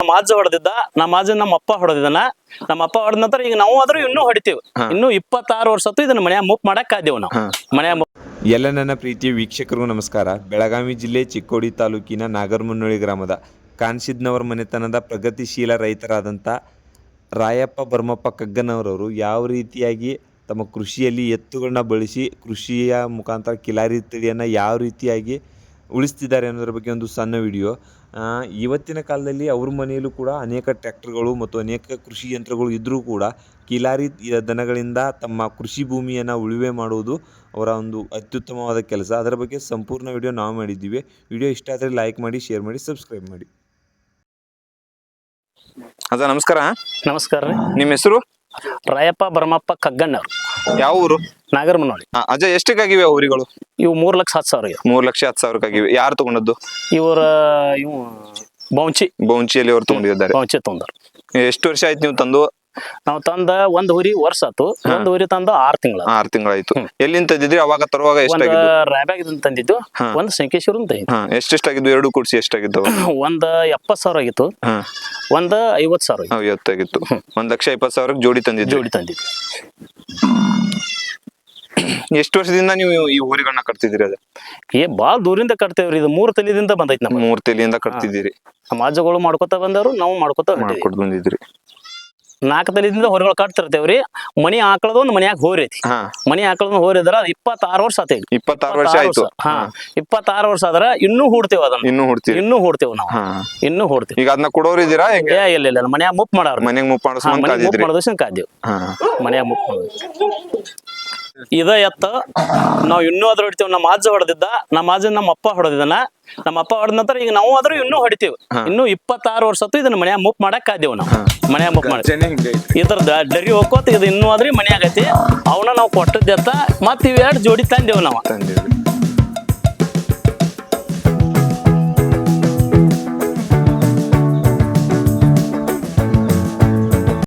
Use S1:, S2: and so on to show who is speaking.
S1: ಅಜ್ಜ ಹೊಡೆದಿದ್ದ, ನಮ್ಮ ಅಜ್ಜ ನಮ್ಮ ಅಪ್ಪ ಹೊಡೆದಿದ್ದಾನ. ನಮ್ಮ ಅಪ್ಪ ಹೊಡೆದ ನಂತರ ಈಗ ನಾವು ಆದ್ರೂ ಇನ್ನೂ ಹೊಡಿತೀವಿ. ಇನ್ನು 26 ವರ್ಷ ಹೊತ್ತು ಇದನ್ನ ಮನ್ಯಾಗ ಮುಪ್ ಮಾಡಕ್ ಆದೇವು ನಾವು. ಮನ್ಯಾಗ
S2: ಎಲ್ಲ ನನ್ನ ಪ್ರೀತಿಯ ವೀಕ್ಷಕರಿಗೂ ನಮಸ್ಕಾರ. ಬೆಳಗಾವಿ ಜಿಲ್ಲೆ ಚಿಕ್ಕೋಡಿ ತಾಲೂಕಿನ ನಾಗರಮುನ್ನೋಳಿ ಗ್ರಾಮದ ಕಾನ್ಸಿದ್ನವರ ಮನೆತನದ ಪ್ರಗತಿಶೀಲ ರೈತರಾದಂಥ ರಾಯಪ್ಪ ಭರಮಪ್ಪ ಕಗ್ಗನವರವರು ಯಾವ ರೀತಿಯಾಗಿ ತಮ್ಮ ಕೃಷಿಯಲ್ಲಿ ಎತ್ತುಗಳನ್ನ ಬಳಸಿ ಕೃಷಿಯ ಮುಖಾಂತರ ಕಿಲಾರಿ ತಳಿಯನ್ನು ಯಾವ ರೀತಿಯಾಗಿ ಉಳಿಸ್ತಿದ್ದಾರೆ ಅನ್ನೋದ್ರ ಬಗ್ಗೆ ಒಂದು ಸಣ್ಣ ವಿಡಿಯೋ. ಇವತ್ತಿನ ಕಾಲದಲ್ಲಿ ಅವ್ರ ಮನೆಯಲ್ಲೂ ಕೂಡ ಅನೇಕ ಟ್ರ್ಯಾಕ್ಟರ್ಗಳು ಮತ್ತು ಅನೇಕ ಕೃಷಿ ಯಂತ್ರಗಳು ಇದ್ದರೂ ಕೂಡ ಕಿಲಾರಿ ದನಗಳಿಂದ ತಮ್ಮ ಕೃಷಿ ಭೂಮಿಯನ್ನು ಉಳುಮೆ ಮಾಡುವುದು ಅವರ ಒಂದು ಅತ್ಯುತ್ತಮವಾದ ಕೆಲಸ. ಅದರ ಬಗ್ಗೆ ಸಂಪೂರ್ಣ ವಿಡಿಯೋ ನಾವು ಮಾಡಿದ್ದೀವಿ. ವಿಡಿಯೋ ಇಷ್ಟ ಆದರೆ ಲೈಕ್ ಮಾಡಿ, ಶೇರ್ ಮಾಡಿ, ಸಬ್ಸ್ಕ್ರೈಬ್ ಮಾಡಿ.
S3: ಅದ ನಮಸ್ಕಾರ.
S1: ನಮಸ್ಕಾರ ರೀ.
S3: ನಿಮ್ಮ ಹೆಸರು?
S1: ರಾಯಪ್ಪ ಭರಮಪ್ಪ ಕಗ್ಗಣ್ಣವ್ರು,
S3: ಯಾವ ಊರು?
S1: ನಾಗರಮುನ್ನೋಳಿ.
S3: ಅಜಯ್ ಎಷ್ಟಕ್ಕಾಗಿವೆ ಊರಿಗಳು?
S1: ಇವು 3,10,000.
S3: 3,10,000 ಯಾರು ತಗೊಂಡದ್ದು?
S1: ಇವು
S3: ಬೌಂಚಿಯಲ್ಲಿ ಅವ್ರು ತಗೊಂಡಿದ್ದಾರೆ.
S1: ಬೌಂಚಿ ತೊಂದರು.
S3: ಎಷ್ಟು ವರ್ಷ ಆಯ್ತು ನೀವು ತಂದು?
S1: ನಾವು ತಂದ ಒಂದ್ ಹುರಿ ವರ್ಷ ಆತು. ಒಂದ್ ಹುರಿ ತಂದು 6 ತಿಂಗಳ.
S3: 6 ತಿಂಗಳಾಯ್ತು. ಎಲ್ಲಿಂದ ತಂದಿದ್ರಿ ಅವಾಗ? ತರುವಾಗ ಎಷ್ಟಾಗಿದ್ದು?
S1: ರಾಯಬಾಗ್ ತಂದಿದ್ದು. ಒಂದ್ ಸಂಕೇಶ್ವರ ತಂದಿದ್ದು.
S3: ಎಷ್ಟೆಷ್ಟಾಗಿದ್ದು? ಎರಡು ಕೂಡಿಸಿ ಎಷ್ಟಾಗಿದ್ದು?
S1: ಒಂದ್ 70,000 ಆಗಿತ್ತು. ಒಂದ್ 50,000
S3: 50,000. 1,20,000 ಜೋಡಿ ತಂದಿದ್ದು. ಎಷ್ಟು ವರ್ಷದಿಂದ ನೀವು ಈ ಊರಿಗಳನ್ನ ಕಟ್ತಿದ್ದೀರಿ? ಅದ
S1: ಬಾಳ ದೂರಿಂದ ಕಟ್ತೇವ್ರಿ. ಇದು 3 ತಲೆದಿಂದ ಬಂದೈತಿ. ನಮ್ಮ
S3: 3 ತಲೆಯಿಂದ ಕಟ್ತಿದ್ದೀರಿ.
S1: ಸಮಾಜಗಳು ಮಾಡ್ಕೊತ ಬಂದವರು, ನಾವು ಮಾಡ್ಕೊತ
S3: ಬಂದಿದ್ರಿ.
S1: 4 ತಲೆದಿಂದ ಹೊರಗಳು ಕಟ್ತಿರ್ತೇವ್ರಿ. ಮನಿ ಆಕಳದ ಒಂದ್ ಮನ್ಯಾಗ ಹೋರೈತಿ. ಮನಿ ಆಕಳದ ಹೋರಿದ್ರ 26 ವರ್ಷ ಆತೇವಿ.
S3: 26 ವರ್ಷ ಆಯ್ತು.
S1: 26 ವರ್ಷ ಆದ್ರ ಇನ್ನೂ ಹೂಡ್ತೇವ ಅದನ್ನ. ಇನ್ನೂ ಹೂಡ್ತೇವ್ ನಾವು. ಇನ್ನೂ ಹೂಡ್ತೇವೆ.
S3: ಈಗ ಅದನ್ನ ಕೊಡೋರು ಇದೀರಾ?
S1: ಇಲ್ಲ ಮನ್ಯಾಗ ಮುಪ್ ಮಾಡಾರ.
S3: ಮನ್ಯಾಗ ಮುಪ್
S1: ಮಾಡೋದನ್ನ ಕಾದೇವ್. ಮನ್ಯಾಗ ಮುಪ್ ಮಾಡೋದು ಇದ ಎತ್ತ ನಾವ್ ಇನ್ನೂ ಅದ್ರ ಹೊಡಿತೇವ್. ನಮ್ಮ ಅಜ್ಜ ಹೊಡೆದಿದ್ದ, ನಮ್ಮ ಅಜ್ಜ ನಮ್ಮ ಅಪ್ಪ ಹೊಡೆದಿದ್ದಾನ. ನಮ್ಮ ಅಪ್ಪ ಹೊಡೆದ ನಂತರ ಈಗ ನಾವು ಆದ್ರೂ ಇನ್ನೂ ಹೊಡಿತೀವಿ. ಇನ್ನು 26 ವರ್ಷ ಹೊತ್ತು ಇದನ್ನ ಮನ್ಯಾಗ ಮುಪ್ ಮಾಡಕ್ ಆದೇವು ನಾವು. ಮನ್ಯಾಗ ಮುಪ್ ಮಾಡಿ ಇದ್ರದ ಡರಿ ಹೋಗ್ಕೋತ ಇದು ಇನ್ನೂ ಆದ್ರಿ ಮನ್ಯಾಗ ಐತಿ. ಅವನ್ನ ನಾವು ಕೊಟ್ಟದ್ದೆತ್ತ ಮತ್ ಇವ್ 2 ಜೋಡಿ ತಂದೇವ್ ನಾವು.